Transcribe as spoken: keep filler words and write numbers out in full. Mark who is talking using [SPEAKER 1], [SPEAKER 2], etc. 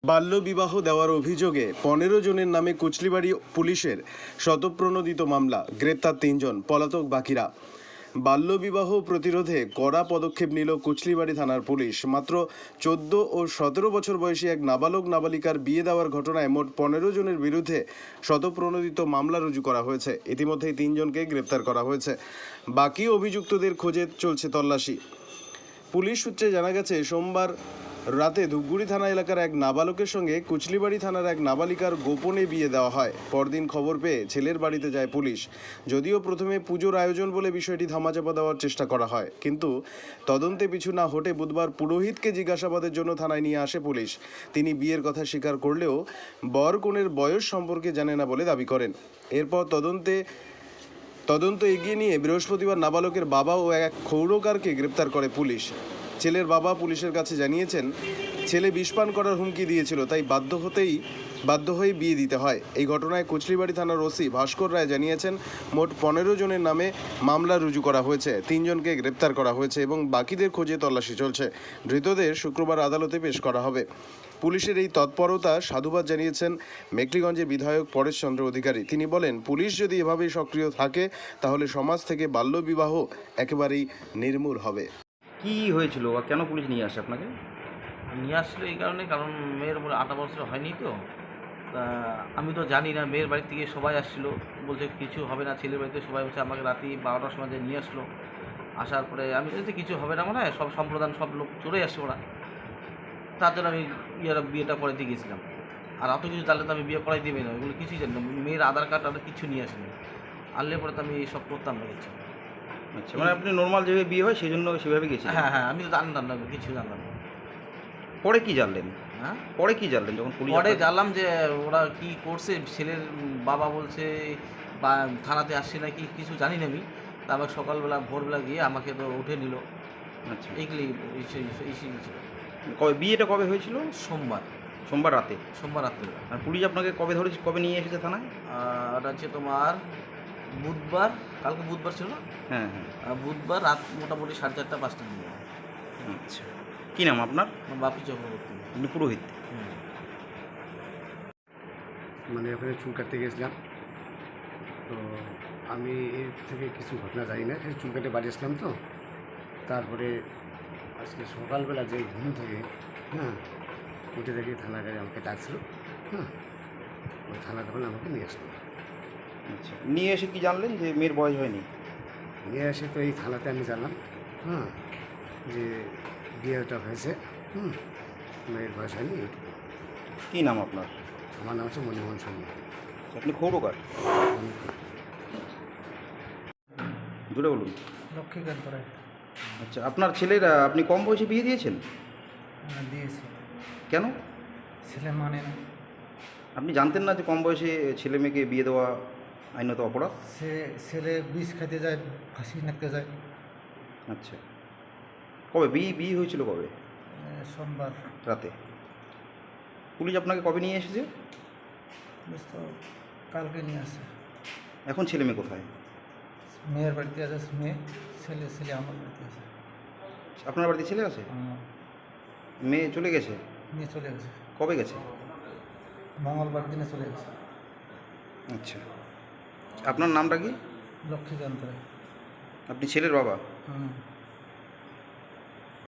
[SPEAKER 1] বাল্যবিবাহ দেওয়ার অভিযোগে পনেরো জনের নামে কুচলিবাড়ি পুলিশের শতপ্রণোদিত মামলা, গ্রেপ্তার তিনজন, পলাতক বাকিরা। বাল্যবিবাহ প্রতিরোধে কড়া পদক্ষেপ নিল কুচলিবাড়ি থানার পুলিশ। মাত্র চোদ্দ ও সতেরো বছর বয়সী এক নাবালক নাবালিকার বিয়ে দেওয়ার ঘটনায় মোট পনেরো জনের বিরুদ্ধে শতপ্রণোদিত মামলা রুজু করা হয়েছে। ইতিমধ্যেই তিনজনকে গ্রেপ্তার করা হয়েছে। বাকি অভিযুক্তদের খোঁজে চলছে তল্লাশি। পুলিশ সূত্রে জানা গেছে, সোমবার রাতে ধূপগুড়ি থানা এলাকার এক নাবালকের সঙ্গে কুচলিবাড়ি থানার এক নাবালিকার গোপনে বিয়ে দেওয়া হয়। পরদিন খবর পেয়ে ছেলের বাড়িতে যায় পুলিশ। যদিও প্রথমে পুজোর আয়োজন বলে বিষয়টি ধামাচাপা দেওয়ার চেষ্টা করা হয়, কিন্তু তদন্তে পিছু না হটে বুধবার পুরোহিতকে জিজ্ঞাসাবাদের জন্য থানায় নিয়ে আসে পুলিশ। তিনি বিয়ের কথা স্বীকার করলেও বর কনের বয়স সম্পর্কে জানে না বলে দাবি করেন। এরপর তদন্তে তদন্ত এগিয়ে নিয়ে বৃহস্পতিবার নাবালকের বাবা ও এক ক্ষৌরকারকে গ্রেপ্তার করে পুলিশ। ছেলের বাবা পুলিশের কাছে জানিয়েছেন, ছেলে বিষপান করার হুমকি দিয়েছিল, তাই বাধ্য হতেই বাধ্য হয়ে বিয়ে দিতে হয়। এই ঘটনায় কুচলিবাড়ি থানার ওসি ভাস্কর রায় জানিয়েছেন, মোট পনেরো জনের নামে মামলা রুজু করা হয়েছে, তিনজনকে গ্রেপ্তার করা হয়েছে এবং বাকিদের খোঁজে তল্লাশি চলছে। ধৃতদের শুক্রবার আদালতে পেশ করা হবে। পুলিশের এই তৎপরতা সাধুবাদ জানিয়েছেন মেখলিগঞ্জের বিধায়ক পরেশচন্দ্র অধিকারী। তিনি বলেন, পুলিশ যদি এভাবেই সক্রিয় থাকে তাহলে সমাজ থেকে বাল্যবিবাহ একেবারেই নির্মূল হবে।
[SPEAKER 2] কি হয়েছিল বা কেন পুলিশ নিয়ে আসে আপনাকে?
[SPEAKER 3] নিয়ে আসলো এই কারণে, কারণ মেয়ের বলে আঠারো বছর হয়নি তো, তা আমি তো জানি না। মেয়ের বাড়ি থেকে সবাই আসছিলো, বলছে কিছু হবে না। ছেলের বাড়িতে সবাই বলছে, আমাকে রাতে বারোটার সময় যে নিয়ে আসলো। আসার পরে আমি বলছি কিছু হবে না, মানে হয় সব সম্প্রদান সব লোক চলে আসছে ওরা। তার জন্য আমি ইয়েরা বিয়েটা করাইতে গিয়েছিলাম। আর অত কিছু জানলে তো আমি বিয়ে করাই দেবে না, এগুলো কিছুই জানি না। মেয়ের আধার কার্ড আর কিছু নিয়ে আসেনি, আনলে পরে তো আমি এইসব করতাম না কিছু।
[SPEAKER 2] আচ্ছা, মানে আপনি নর্মাল যেভাবে বিয়ে হয় সেই জন্য সেভাবে গেছিলেন?
[SPEAKER 3] হ্যাঁ হ্যাঁ, আমি তো জানতাম না, কিছু জানতাম না।
[SPEAKER 2] পরে কি জানলেন?
[SPEAKER 3] হ্যাঁ,
[SPEAKER 2] পরে কি জানলেন যখন পুলিশ?
[SPEAKER 3] পরে জানলাম যে ওরা কি করছে। ছেলের বাবা বলছে বা থানাতে আসছে নাকি কিছু জানি না আমি। তারপর সকালবেলা ভোরবেলা গিয়ে আমাকে তো উঠে নিল।
[SPEAKER 2] আচ্ছা,
[SPEAKER 3] এইগুলি ছিল।
[SPEAKER 2] কবে বিয়েটা কবে হয়েছিল?
[SPEAKER 3] সোমবার
[SPEAKER 2] সোমবার রাতে।
[SPEAKER 3] সোমবার রাত্রে।
[SPEAKER 2] আর পুলিশ আপনাকে কবে ধরে কবে নিয়ে এসেছে থানায়?
[SPEAKER 3] আর হচ্ছে তোমার বুধবার, কালকে বুধবার ছিল না?
[SPEAKER 2] হ্যাঁ হ্যাঁ।
[SPEAKER 3] আর বুধবার রাত মোটামুটি সাড়ে চারটা পাঁচটা দিন।
[SPEAKER 2] আচ্ছা, কী নাম আপনার?
[SPEAKER 3] বাপি চক্রবর্তী।
[SPEAKER 2] আপনি পুরোহিত?
[SPEAKER 4] মানে ওখানে চুল কাটতে গেছিলাম, তো আমি এর থেকে কিছু ঘটনা জানি না। সেই চুল কাটে বাড়ি আসলাম, তো তারপরে আজকে সকালবেলা যে ঘুম থেকে হ্যাঁ উঠে দেখি থানার গাড়ি আমাকে ডাকছিল। হ্যাঁ, ওই থানা তখন আমাকে নিয়ে আসলো।
[SPEAKER 2] আচ্ছা, নিয়ে এসে কি জানলেন যে মেয়ের বয়স হয়নি?
[SPEAKER 4] নিয়ে এসে তো এই থানাতে আমি জানলাম হ্যাঁ যে বিয়েটা হয়েছে, হুম মেয়ের বয়স হয়নি এইটুকু।
[SPEAKER 2] কী নাম আপনার?
[SPEAKER 4] আমার নাম হচ্ছে মনিমোহন সামনে।
[SPEAKER 2] আপনি ক্ষৌরকার? জুড়ে বলুন।
[SPEAKER 5] লক্ষ্মীকান্ত রায়।
[SPEAKER 2] আচ্ছা, আপনার ছেলেরা আপনি কম বয়সে বিয়ে দিয়েছেন?
[SPEAKER 5] হ্যাঁ, দিয়েছি।
[SPEAKER 2] কেন?
[SPEAKER 5] ছেলে মানে না।
[SPEAKER 2] আপনি জানতেন না যে কম বয়সে ছেলে মেয়েকে বিয়ে দেওয়া আইনত অপরাধ?
[SPEAKER 5] সে ছেলে বিষ খাইতে যায়, ফাঁসি নাকতে যায়।
[SPEAKER 2] আচ্ছা, কবে বিয়ে বিয়ে হয়েছিল কবে?
[SPEAKER 5] এ, সোমবার
[SPEAKER 2] রাতে। পুলিশ আপনাকে কবে নিয়ে এসেছে?
[SPEAKER 5] পুলিশ তো কালকে নিয়ে আসে।
[SPEAKER 2] এখন ছেলে মেয়ে কোথায়?
[SPEAKER 5] মেয়ের বাড়িতে আছে মেয়ে, ছেলে ছেলে আমার বাড়িতে আছে।
[SPEAKER 2] আপনার বাড়িতে ছেলে আছে?
[SPEAKER 5] আমার
[SPEAKER 2] মেয়ে চলে গেছে?
[SPEAKER 5] মেয়ে চলে গেছে,
[SPEAKER 2] কবে গেছে?
[SPEAKER 5] মঙ্গলবার দিনে চলে গেছে।
[SPEAKER 2] আচ্ছা, আপনার নামটা কি?
[SPEAKER 5] লক্ষ্মীকান্ত রায়।
[SPEAKER 2] আপনি ছেলের বাবা?
[SPEAKER 5] হুম।